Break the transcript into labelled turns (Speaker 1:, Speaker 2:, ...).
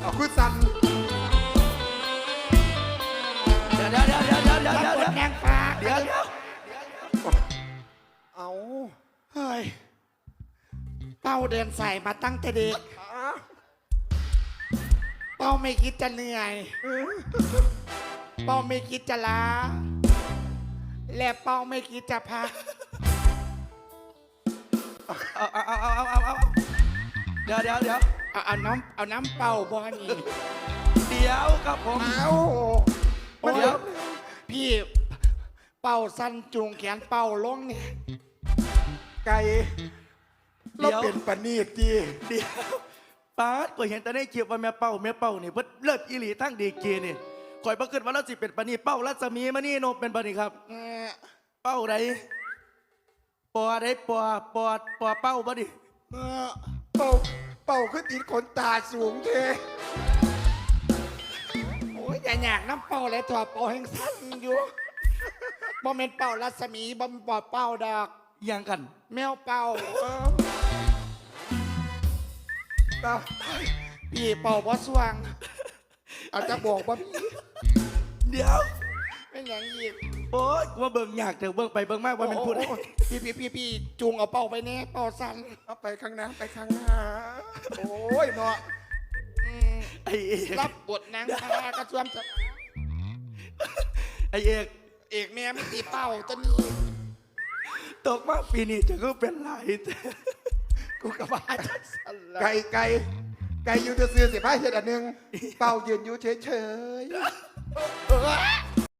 Speaker 1: เอาคุณสัน
Speaker 2: เดี๋ยว
Speaker 3: แดงฟ้า
Speaker 2: เดี๋ยว
Speaker 1: เอา
Speaker 3: เฮ้ยเป้าเดินใส่มาตั้งแต่เด็กเป้าไม่คิดจะเหนื่อยเป้าไม่คิดจะล้าและเป้าไม่คิดจะพัก
Speaker 2: เอาเดี๋ยว
Speaker 3: เอาน้ำเป่าบอนี่
Speaker 2: เดี๋ยวครับผม
Speaker 3: เอา
Speaker 2: เดี๋ยว
Speaker 3: พี่เป่าสั้นจูงแขนเป่าลงเนี่ย
Speaker 1: ไก่เราเป็นปนีจี
Speaker 2: เดี๋ยวป้าก็เห็นแต่ในคลิปว่าแม่เป้านี่เพิ่นเลิศอีหลีทั้งดีกีนี่ข่อยบ่คิดว่าเราสิเป็นปานนี้เป้ารัศมีมานี่โนเป็นปานนี้ครับเป้าใดปอใดปอเป้าบ่ดิ
Speaker 1: เป่าขึ้นติดขนตาสูงเท
Speaker 3: โอ้ยอย่าอยากน้ำเป่าเลยถั่วเป่าแห้งสั้นอยู่บ่เป็นเป่ารัศมีบ่เป็นเป่าดอก
Speaker 2: ยังกัน
Speaker 3: แมวเป่าพี่เป่าบ่สว่างเอาจะบอกว่าพี่
Speaker 2: เดี๋ยว
Speaker 3: เป็นอย่างอีก
Speaker 2: โอ๊ยว่าเบิ่งอยากเถอะเบิ่งไปเบิ่งมากว่ามันพูด
Speaker 3: พี่จูงเอาเป่าไปแน่เป่าสั้น
Speaker 1: เอาไปข้างหน้าไปข้างหน้าโอ้ยเนาะ
Speaker 2: ไอเอก
Speaker 3: รับบทนางพากระชวมจะ
Speaker 2: ไอเอก
Speaker 3: เอกแม่ไม่ตีเป่าตัวนี้
Speaker 2: ตกมาปีนี้จะก็เป็นไร
Speaker 3: กูกระบาดจะสั่นละ
Speaker 1: ไก่อยู่จะซื้อ15 เฮ็ดอันหนึ่งเป่ายืนอยู่เฉย